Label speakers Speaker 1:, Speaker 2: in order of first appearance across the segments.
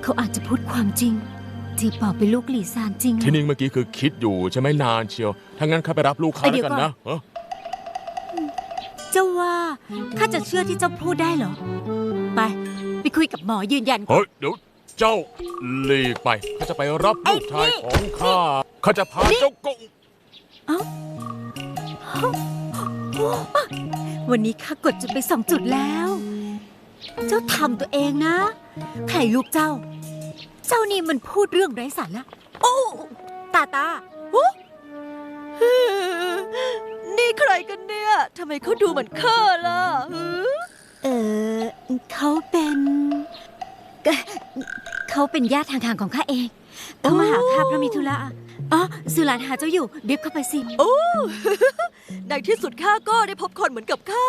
Speaker 1: เขาอาจจะพูดความจริงที่ปอเป็นลูกหลี่ซานจริง
Speaker 2: ที่นิ่งเมื่อกี้คือคิดอยู่ใช่ไหมนานเชียวถ้างั้นข้าไปรับลูกค้าแล้วกันนะ
Speaker 1: เจ้าว่าข้าจะเชื่อที่เจ้าพูดได้เหรอไปคุยกับหมอยืนยัน
Speaker 2: เฮ้ยเดี๋ยวเจ้าหลีกไปข้าจะไปรับลูกชายของข้าจะพาเจ้ากง
Speaker 1: วันนี้ข้ากดจุดไป2 จุดแล้ว เจ้าทำตัวเองนะใครลูกเจ้านี่มันพูดเรื่องไร้สาระโอ้ตา
Speaker 3: นี่ใครกันเนี่ยทำไมเขาดูเหมือนข้าล่ะ
Speaker 1: เขาเป็นญาติทางๆของข้าเองเขามาหาข้าเพราะมีธุระสุหลานหาเจ้าอยู่เรียกเข้าไปสิ
Speaker 3: โอ้ ในที่สุดข้าก็ได้พบคนเหมือนกับข้า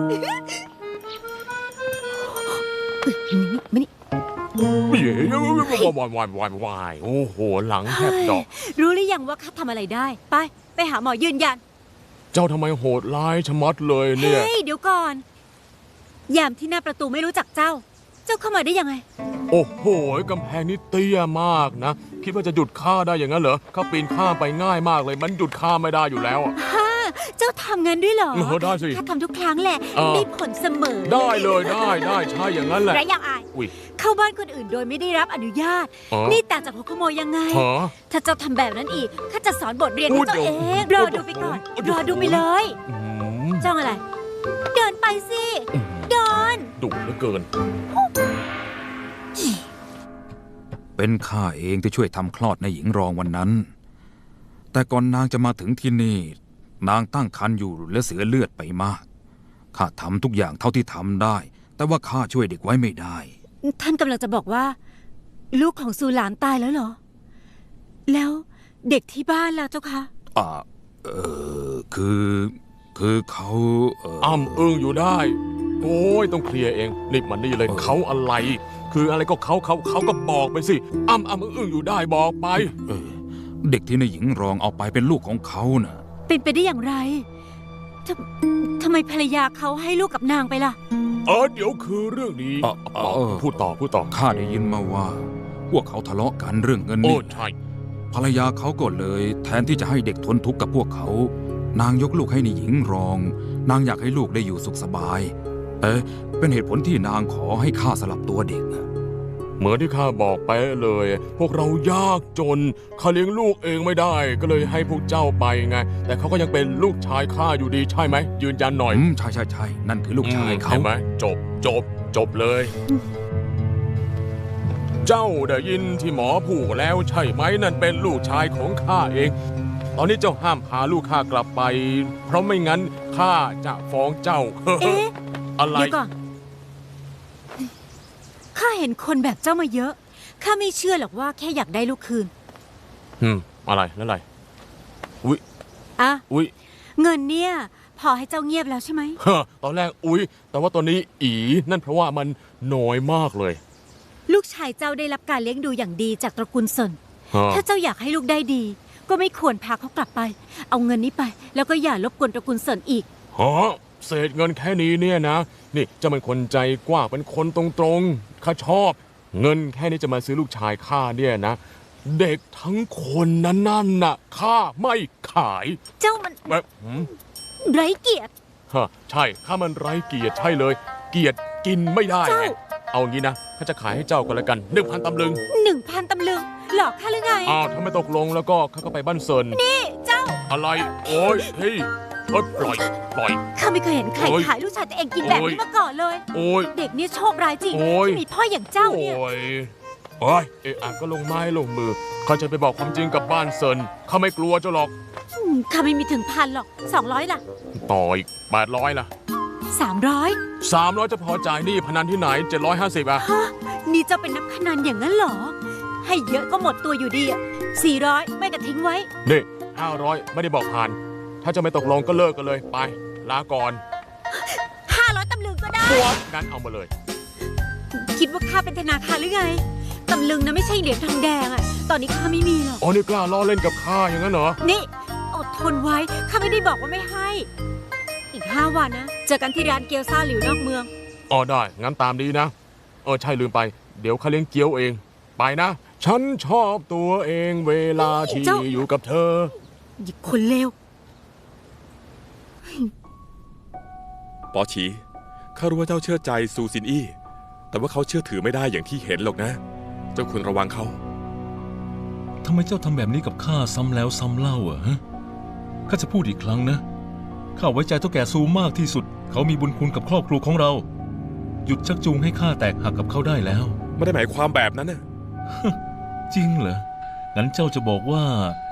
Speaker 1: มานี่
Speaker 2: วายโอ้โหหลังแทบดอก
Speaker 1: รู้หรือยังว่าข้าทำอะไรได้ไปหาหมอยืนยัน
Speaker 2: เจ้าทำไมโหดร้ายชะมัดเลยเนี่ย
Speaker 1: เฮ้ยเดี๋ยวก่อนยามที่หน้าประตูไม่รู้จักเจ้าเข้ามาได้ยังไง
Speaker 2: โอ้โหกำแพงนี้เตี้ยมากนะคิดว่าจะหยุดข้าได้อย่างนั้นเหรอข้าปีนข้ามไปง่ายมากเลยมันหยุดข้าไม่ได้อยู่แล้ว
Speaker 1: เจ้าทำงานด้วยเหรอ
Speaker 2: ได้สิ
Speaker 1: ข้าทำทุกครั้งแหละได้ผลเสมอ
Speaker 2: ได้เลยได้ใช่อย่างนั้นแหละ
Speaker 1: ไรยังอายเข้าบ้านคนอื่นโดยไม่ได้รับอนุญาตนี่ต่างจากหัวขโมยยังไงถ้าเจ้าทำแบบนั้นอีกข้าจะสอนบทเรียนให้เจ้าเองรอดูไปก่อนรอดูไปเลยจ้องอะไรเดินไปสิเดิน
Speaker 2: ดุเหลือเกิน
Speaker 4: เป็นข้าเองที่ช่วยทำคลอดในหญิงรองวันนั้นแต่ก่อนนางจะมาถึงที่นี่นางตั้งครรภ์อยู่และเสียเลือดไปมากข้าทำทุกอย่างเท่าที่ทำได้แต่ว่าข้าช่วยเด็กไว้ไม่ได้
Speaker 1: ท่านกำลังจะบอกว่าลูกของซูหลานตายแล้วเหรอแล้วเด็กที่บ้านล่ะเจ้าคะ
Speaker 4: คือเขา
Speaker 2: อ้ำอึ้งอยู่ได้โอ้ยต้องเคลียร์เองรีบมานี่เลยเขาอะไรคืออะไรก็เขาก็บอกไปสิอ้ำอึ้งอยู่ได้บอกไป
Speaker 4: เด็กที่ในหญิงรองเอาไปเป็นลูกของเขาน่ะ
Speaker 1: เป็นไปได้อย่างไรทำไมภรรยาเขาให้ลูกกับนางไปล่ะ
Speaker 2: เดี๋ยวคือเรื่องนี้พูดต่อ
Speaker 4: ข้าได้ยินมาว่าพวกเขาทะเลาะกันเรื่องเงินนี่
Speaker 2: ใช่
Speaker 4: ภรรยาเขาก็เลยแทนที่จะให้เด็กทนทุกข์กับพวกเขานางยกลูกให้ในหญิงรองนางอยากให้ลูกได้อยู่สุขสบายเป็นเหตุผลที่นางขอให้ข้าสลับตัวเด็ก
Speaker 2: เหมือนที่ข้าบอกไปเลยพวกเรายากจนข้าเลี้ยงลูกเองไม่ได้ก็เลยให้พวกเจ้าไปไงแต่เขาก็ยังเป็นลูกชายข้าอยู่ดีใช่ไหมยืนยันหน่อย
Speaker 4: ใช่นั่นคือลูกชายเขา
Speaker 2: ใช่ไหมจบเลยเจ้าได้ยินที่หมอพูดแล้วใช่ไหมนั่นเป็นลูกชายของข้าเองตอนนี้เจ้าห้ามพาลูกข้ากลับไปเพราะไม่งั้นข้าจะฟ้องเจ้าอะไร
Speaker 1: เดี๋ยวก่อนข้าเห็นคนแบบเจ้ามาเยอะข้าไม่เชื่อหรอกว่าแค่อยากได้ลูกคืน
Speaker 2: อะไรนั่นอะไร
Speaker 1: อุ๊ยเงินเนี่ยพอให้เจ้าเงียบแล้วใช่ไหม
Speaker 2: ตอนแรกแต่ว่าตอนนี้นั่นเพราะว่ามันน้อยมากเลย
Speaker 1: ลูกชายเจ้าได้รับการเลี้ยงดูอย่างดีจากตระกูลเซินถ้าเจ้าอยากให้ลูกได้ดีก็ไม่ควรพาเขากลับไปเอาเงินนี้ไปแล้วก็อย่ารบกวนตระกูลเซินอีก
Speaker 2: เศษเงินแค่นี้เนี่ยนะนี่จะเป็นคนใจกว้างเป็นคนตรงๆข้าชอบเงินแค่นี้จะมาซื้อลูกชายข้าเนี่ยนะเด็กทั้งคนนั่นน่ะข้าไม่ขาย
Speaker 1: เจ้ามันไร้เกียรติ
Speaker 2: ใช่ข้ามันไร้เกียรติใช่เลยเกียรติกินไม่ได้ไงเอางี้นะข้าจะขายให้เจ้ากันละกัน 1,000 ตำลึง
Speaker 1: 1,000 ตำลึงหลอกข้าหรือไง
Speaker 2: ถ้าไม่ตกลงแล้วก็ข้าก็ไปบ้านเซิน
Speaker 1: นี่เจ้า
Speaker 2: อะไรโอ้ยเฮ้ยปล่อย
Speaker 1: ข้าไม่เคยเห็นใครขายลูกชายตัวเองกินแบบนี้มาก่อนเลยเด็กนี่โชคร้ายจริงที่มีพ่ออย่างเจ้าเนี่ย
Speaker 2: ก็ลงไม้ลงมือข้าจะไปบอกความจริงกับบ้านเซินข้าไม่กลัวเจ้าหรอก
Speaker 1: ข้าไม่มีถึง1,000หรอก200ล่ะ
Speaker 2: ต่ออีก800ล่ะ300จะพอจ่ายนี่พนันที่ไหน750
Speaker 1: นี่เจ้าเป็นนักพนันอย่างนั้นเหรอให้เยอะก็หมดตัวอยู่ดี400ไม่กระทิ้งไว้
Speaker 2: นี่500ไม่ได้บอกผ่านถ้าจะไม่ตกลงก็เลิกกันเลยไปลาก่อน
Speaker 1: 500 ตำลึงก็ได้
Speaker 2: งั้นเอามาเลย
Speaker 1: คิดว่าข้าเป็นธนาคารหรือไงตำลึงนะไม่ใช่เหรียญทองแดงตอนนี้ข้าไม่มีหรอก
Speaker 2: นี่กล้าล้อเล่นกับข้าอย่างนั้นเหรอ
Speaker 1: นี่อดทนไว้ข้าไม่ได้บอกว่าไม่ให้อีก5 วันนะเจอกันที่ร้านเกี๊ยวซ่าหลิวนอกเมือง
Speaker 2: ได้งั้นตามนี้นะใช่ลืมไปเดี๋ยวข้าเลี้ยงเกี๊ยวเองไปนะ ฉันชอบตัวเองเวลาที่
Speaker 1: เจ้า
Speaker 2: อยู่กับเธอ
Speaker 1: หยิบคนเลว
Speaker 5: ปอฉีข้ารู้ว่าเจ้าเชื่อใจซูซินอี้แต่ว่าเขาเชื่อถือไม่ได้อย่างที่เห็นหรอกนะ เจ้าควรระวังเขา
Speaker 6: ทำไมเจ้าทำแบบนี้กับข้าซ้ำแล้วซ้ำเล่าฮะข้าจะพูดอีกครั้งนะ ข้าไว้ใจเท่าแก่ซูมากที่สุด เขามีบุญคุณกับครอบครัวของเรา หยุดชักจูงให้ข้าแตกหักกับเขาได้แล้ว
Speaker 5: ไม่ได้หมายความแบบนั้นนะ
Speaker 6: จริงเหรอ งั้นเจ้าจะบอกว่า